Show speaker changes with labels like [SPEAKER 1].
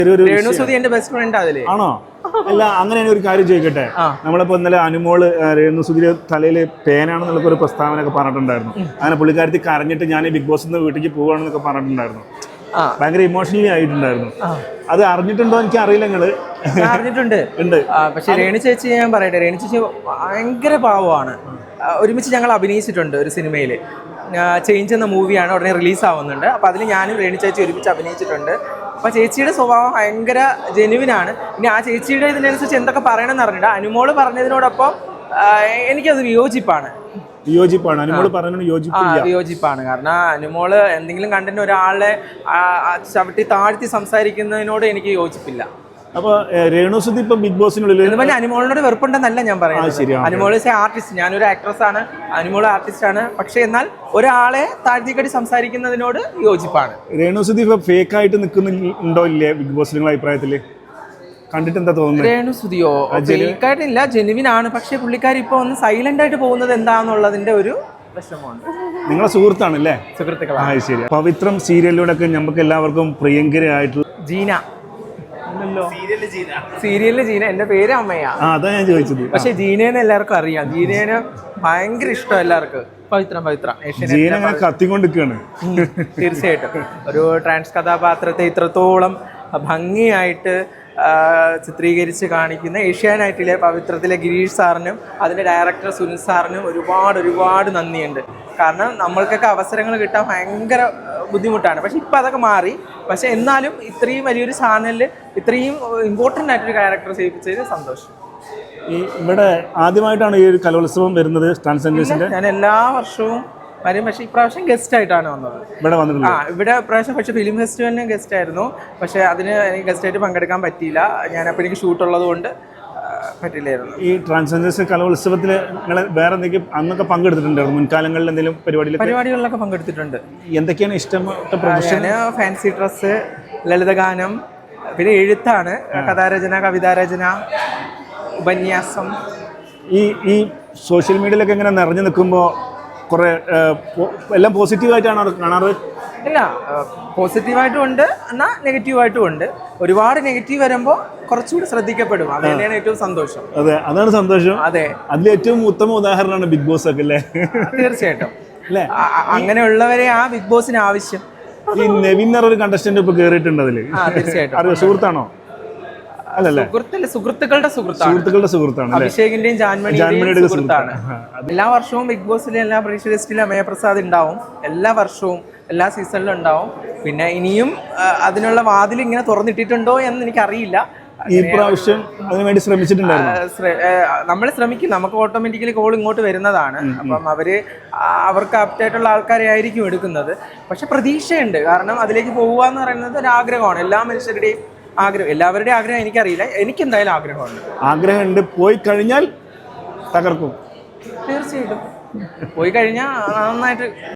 [SPEAKER 1] രേണുസുതി എന്റെ best friend അതില്
[SPEAKER 2] ആണോ? അല്ല, അങ്ങനെ ഒരു കാര്യം ചോദിക്കട്ടെ. നമ്മളിപ്പോ ഇന്നലെ അനുമോള് രേണുസുതിയുടെ തലയില് പേനാണെന്നുള്ള ഒരു പ്രസ്താവനയൊക്കെ പറഞ്ഞിട്ടുണ്ടായിരുന്നു. അങ്ങനെ പുള്ളിക്കാരത്തി കരഞ്ഞിട്ട് ഞാൻ ബിഗ് ബോസ് വീട്ടിലേക്ക് പോവാണെന്നൊക്കെ പറഞ്ഞിട്ടുണ്ടായിരുന്നു. ഭയങ്കര ഇമോഷണലി ആയിട്ടുണ്ടായിരുന്നു. അത് അറിഞ്ഞിട്ടുണ്ടോ എനിക്ക് അറിയില്ല. നിങ്ങള്
[SPEAKER 1] അറിഞ്ഞിട്ടുണ്ട്. പക്ഷെ രേണു ചേച്ചി ഞാൻ പറയട്ടെ, രേണു ചേച്ചി ഭയങ്കര പാവമാണ്. ഒരുമിച്ച് ഞങ്ങൾ അഭിനയിച്ചിട്ടുണ്ട് ഒരു സിനിമയിൽ. ചേഞ്ച് എന്ന മൂവിയാണ്, ഉടനെ റിലീസ് ആവുന്നുണ്ട്. അപ്പോൾ അതിൽ ഞാനും രേണു ചേച്ചി ഒരുമിച്ച് അഭിനയിച്ചിട്ടുണ്ട്. അപ്പോൾ ചേച്ചിയുടെ സ്വഭാവം ഭയങ്കര ജെനുവിനാണ്. ഇനി ആ ചേച്ചിയുടെ ഇതിനനുസരിച്ച് എന്തൊക്കെ പറയണമെന്ന് അറിഞ്ഞിട്ട് അനുമോള് പറഞ്ഞതിനോടൊപ്പം എനിക്കത് വിയോജിപ്പാണ്. വിയോജിപ്പാണ്. കാരണം അനുമോള് എന്തെങ്കിലും കണ്ടിട്ട് ഒരാളെ ചവിട്ടി താഴ്ത്തി സംസാരിക്കുന്നതിനോട് എനിക്ക് യോജിപ്പില്ല.
[SPEAKER 2] അപ്പൊ രേണുസുതി ഇപ്പൊ ബിഗ് ബോസിനുള്ളിൽ
[SPEAKER 1] അനുമോളിനോട് വെറുപ്പുണ്ടെന്നല്ല ഞാൻ പറയുന്നത്. അനുമോൾ ആർട്ടിസ്റ്റ്, ഞാനൊരു ആക്ട്രസ് ആണ്, അനുമോൾ ആർട്ടിസ്റ്റ് ആണ്. പക്ഷെ എന്നാൽ ഒരാളെ താഴ്ത്തിക്കടി സംസാരിക്കുന്നതിനോട് യോജിപ്പാണ്.
[SPEAKER 2] രേണുസുതി ഇപ്പൊ ഫേക്ക് ആയിട്ട് നിൽക്കുന്നുണ്ടോ ഇല്ലേ ബിഗ് ബോസ് നിങ്ങളുടെ അഭിപ്രായത്തില്? കണ്ടിട്ട് എന്താ തോന്നുന്നത്?
[SPEAKER 1] രേണുസുതിയോ ഫേക്ക് ആയിട്ടില്ല, ജെനുവിൻ ആണ്. പക്ഷെ പുള്ളിക്കാരി ഇപ്പൊ ഒന്ന് സൈലന്റ് ആയിട്ട് പോകുന്നത് എന്താന്നുള്ളതിന്റെ ഒരു വിഷമമുണ്ട്.
[SPEAKER 2] നിങ്ങളെ സുഹൃത്താണല്ലേ?
[SPEAKER 1] സുഹൃത്തുക്കളാണ്.
[SPEAKER 2] ശരി. പവിത്രം സീരിയലിലൂടെ ഒക്കെ നമുക്ക് എല്ലാവർക്കും പ്രിയങ്കരയായിട്ടുള്ള
[SPEAKER 1] ജീന. സീരിയലില് ജീന, എന്റെ പേര് അമ്മയാ.
[SPEAKER 2] അതാ ഞാൻ ചോദിച്ചത്.
[SPEAKER 1] പക്ഷെ ജീനേനെ എല്ലാവർക്കും അറിയാം. ജീനേനെ ഭയങ്കര ഇഷ്ടം എല്ലാവർക്കും. പവിത്രം
[SPEAKER 2] ജീന കത്തിക്കൊണ്ടിരിക്കുകയാണ്.
[SPEAKER 1] തീർച്ചയായിട്ടും ഒരു ട്രാൻസ് കഥാപാത്രത്തെ ഇത്രത്തോളം ഭംഗിയായിട്ട് ചിത്രീകരിച്ച് കാണിക്കുന്ന ഏഷ്യാനെറ്റിലെ പവിത്രത്തിലെ ഗിരീഷ് സാറിനും അതിൻ്റെ ഡയറക്ടർ സുനിൽ സാറിനും ഒരുപാട് നന്ദിയുണ്ട്. കാരണം നമ്മൾക്കൊക്കെ അവസരങ്ങൾ കിട്ടാൻ ഭയങ്കര ബുദ്ധിമുട്ടാണ്. പക്ഷെ ഇപ്പം അതൊക്കെ മാറി. പക്ഷെ എന്നാലും ഇത്രയും വലിയൊരു ചാനലിൽ ഇത്രയും ഇമ്പോർട്ടൻ്റ് ആയിട്ടൊരു ക്യാരക്ടർ ചെയ്യിപ്പിച്ചതിൽ സന്തോഷം.
[SPEAKER 2] ഇവിടെ ആദ്യമായിട്ടാണ് ഈ ഒരു കലോത്സവം വരുന്നത് ട്രാൻസ്ജെൻഡേഴ്സിന്റെ?
[SPEAKER 1] ഞാൻ എല്ലാ വർഷവും വരും. പക്ഷേ ഇപ്രാവശ്യം ഗസ്റ്റ് ആയിട്ടാണ് വന്നത്. ഇവിടെ ഇപ്രാവശ്യം പക്ഷേ ഫിലിം ഫെസ്റ്റിവലിന് ഗസ്റ്റ് ആയിരുന്നു. പക്ഷേ അതിന് എനിക്ക് ഗസ്റ്റായിട്ട് പങ്കെടുക്കാൻ പറ്റിയില്ല. ഞാനപ്പോൾ എനിക്ക് ഷൂട്ടുള്ളത് കൊണ്ട് പറ്റില്ലായിരുന്നു.
[SPEAKER 2] ഈ ട്രാൻസ്ജെൻഡേഴ്സ് കലോത്സവത്തിൽ നിങ്ങൾ വേറെ എന്തെങ്കിലും അന്നൊക്കെ പങ്കെടുത്തിട്ടുണ്ടായിരുന്നു? മുൻകാലങ്ങളിൽ എന്തെങ്കിലും
[SPEAKER 1] പരിപാടികളിലൊക്കെ പങ്കെടുത്തിട്ടുണ്ട്.
[SPEAKER 2] എന്തൊക്കെയാണ് ഇഷ്ടപ്പെട്ട പ്രൊഫഷൻ?
[SPEAKER 1] ഫാൻസി ഡ്രസ്സ്, ലളിതഗാനം, പിന്നെ എഴുത്താണ്, കഥാരചന, കവിതാരചന, ഉപന്യാസം.
[SPEAKER 2] ഈ സോഷ്യൽ മീഡിയയിലൊക്കെ ഇങ്ങനെ നിറഞ്ഞു നിൽക്കുമ്പോൾ കുറെ എല്ലാം പോസിറ്റീവായിട്ടാണ് കാണാറ്?
[SPEAKER 1] ഇല്ല, പോസിറ്റീവായിട്ടും ഉണ്ട്, എന്നാൽ നെഗറ്റീവായിട്ടും ഉണ്ട്. ഒരുപാട് നെഗറ്റീവ് വരുമ്പോൾ കുറച്ചുകൂടി ശ്രദ്ധിക്കപ്പെടും. അത് തന്നെയാണ് ഏറ്റവും സന്തോഷം.
[SPEAKER 2] അതെ, അതാണ് സന്തോഷം.
[SPEAKER 1] അതെ,
[SPEAKER 2] അതിൽ ഏറ്റവും ഉത്തമ ഉദാഹരണമാണ് ബിഗ് ബോസ് ഒക്കെ അല്ലേ?
[SPEAKER 1] തീർച്ചയായിട്ടും അല്ലേ. അങ്ങനെയുള്ളവരെ ആ ബിഗ് ബോസിന് ആവശ്യം.
[SPEAKER 2] ഈ നെവിൻ ഒരു കണ്ടസ്റ്റന്റ് ഇപ്പൊ കേറിയിട്ടുണ്ട് അതില്.
[SPEAKER 1] തീർച്ചയായിട്ടും.
[SPEAKER 2] സുഹൃത്താണോ?
[SPEAKER 1] സുഹൃത്തുക്കളുടെ സുഹൃത്താണ്. അഭിഷേകിന്റെയും ജാൻമണിയുടെയും സുഹൃത്താണ്. എല്ലാ വർഷവും ബിഗ് ബോസിലെ എല്ലാ പരീക്ഷ ലിസ്റ്റിലും അമയപ്രസാദ് ഉണ്ടാവും. എല്ലാ വർഷവും എല്ലാ സീസണിലും ഉണ്ടാവും. പിന്നെ ഇനിയും അതിനുള്ള വാതിൽ ഇങ്ങനെ തുറന്നിട്ടിട്ടുണ്ടോ എന്ന് എനിക്കറിയില്ല.
[SPEAKER 2] ഈ പ്രാവശ്യം അതിനുവേണ്ടി ശ്രമിച്ചിട്ടുണ്ടായിരുന്നു.
[SPEAKER 1] നമ്മൾ ശ്രമിക്കും. നമുക്ക് ഓട്ടോമാറ്റിക്കലി കോൾ ഇങ്ങോട്ട് വരുന്നതാണ്. അപ്പം അവർക്ക് ആപ്റ്റായിട്ടുള്ള ആൾക്കാരെ ആയിരിക്കും എടുക്കുന്നത്. പക്ഷെ പ്രതീക്ഷയുണ്ട്. കാരണം അതിലേക്ക് പോകുക എന്ന് പറയുന്നത് ഒരു ആഗ്രഹമാണ്. എല്ലാ മനുഷ്യരുടെയും ആഗ്രഹം, എല്ലാവരുടെയും ആഗ്രഹം എനിക്കറിയില്ല. എനിക്കെന്തായാലും ആഗ്രഹമുണ്ട്.
[SPEAKER 2] പോയി കഴിഞ്ഞാൽ തകർക്കും.
[SPEAKER 1] തീർച്ചയായിട്ടും പോയി കഴിഞ്ഞാൽ നന്നായിട്ട്